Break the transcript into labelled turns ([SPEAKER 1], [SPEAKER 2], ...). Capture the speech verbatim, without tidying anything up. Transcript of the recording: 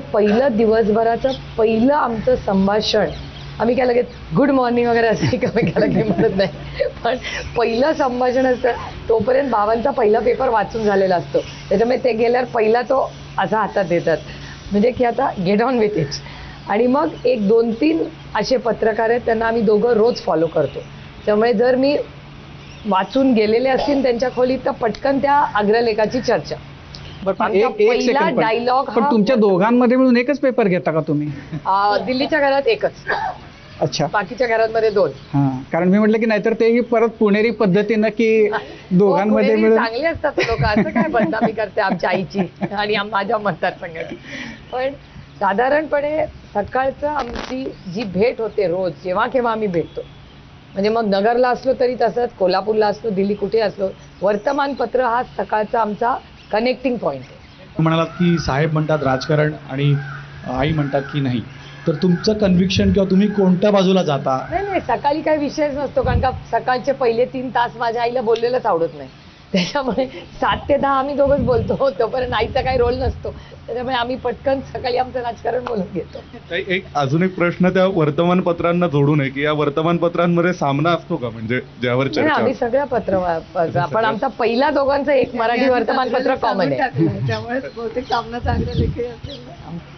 [SPEAKER 1] पहिलं दिवसभराचं पहिलं आमचं संभाषण, आम्ही काय लगेच गुड मॉर्निंग वगैरे असं एकमेकाला काही म्हणत नाही, पण पहिलं संभाषण असतं तोपर्यंत बाबांचा पहिला पेपर वाचून झालेला असतो. त्याच्यामुळे ते गेल्यावर पहिला तो असा हातात देतात, म्हणजे की आता गेट ऑन विथ इट. आणि मग एक दोन तीन असे पत्रकार आहेत, त्यांना आम्ही दोघं रोज फॉलो करतो. त्यामुळे जर मी वाचून गेलेले असतील त्यांच्या खोलीत, तर पटकन त्या अग्रलेखाची चर्चा. पहिला डायलॉग.
[SPEAKER 2] पण तुमच्या दोघांमध्ये मिळून एकच पेपर घेता का तुम्ही?
[SPEAKER 1] दिल्लीच्या घरात एकच.
[SPEAKER 2] अच्छा.
[SPEAKER 1] बाकीच्या घरांमध्ये दोन.
[SPEAKER 2] हा, कारण मी म्हटलं की नाहीतर तेही परत पुणेरी पद्धतीनं की दोघांमध्ये मिळून.
[SPEAKER 1] चांगले असतात लोक, असं काय बदनामी करते आमच्या आईची आणि माझ्या मतदारसंघाची. पण साधारणपणे सकाळचं आमची जी भेट होते रोज, जेव्हा केव्हा आम्ही भेटतो, म्हणजे मग नगरला असलो तरी तसंच, कोल्हापूरला असलो, दिल्ली कुठे असलो, वर्तमानपत्र हा सकाळचा आमचा कनेक्टिंग पॉईंट आहे.
[SPEAKER 3] म्हणालात की साहेब म्हणतात राजकारण आणि आई म्हणतात की नाही, तर तुमचं कन्व्हिक्शन किंवा तुम्ही कोणत्या बाजूला जाता?
[SPEAKER 1] नाही नाही, सकाळी काही विषयच नसतो, कारण का सकाळचे पहिले तीन तास माझ्या आईला बोललेलंच आवडत नाही. त्याच्यामुळे सात ते दहा आम्ही दोघंच बोलतो, तोपर्यंत आईचा काही रोल नसतो. त्याच्यामुळे आम्ही पटकन सकाळी आमचं राजकारण बोलून घेतो.
[SPEAKER 4] एक अजून एक प्रश्न त्या वर्तमानपत्रांना जोडून आहे की या वर्तमानपत्रांमध्ये सामना असतो का, म्हणजे ज्यावर चर्चा?
[SPEAKER 1] आम्ही सगळ्या पत्र, पण आमचा पहिला दोघांचं एक मराठी वर्तमानपत्र कॉमन आहे,
[SPEAKER 5] त्यामुळे बहुतेक सामना चांगला लेखी असेल.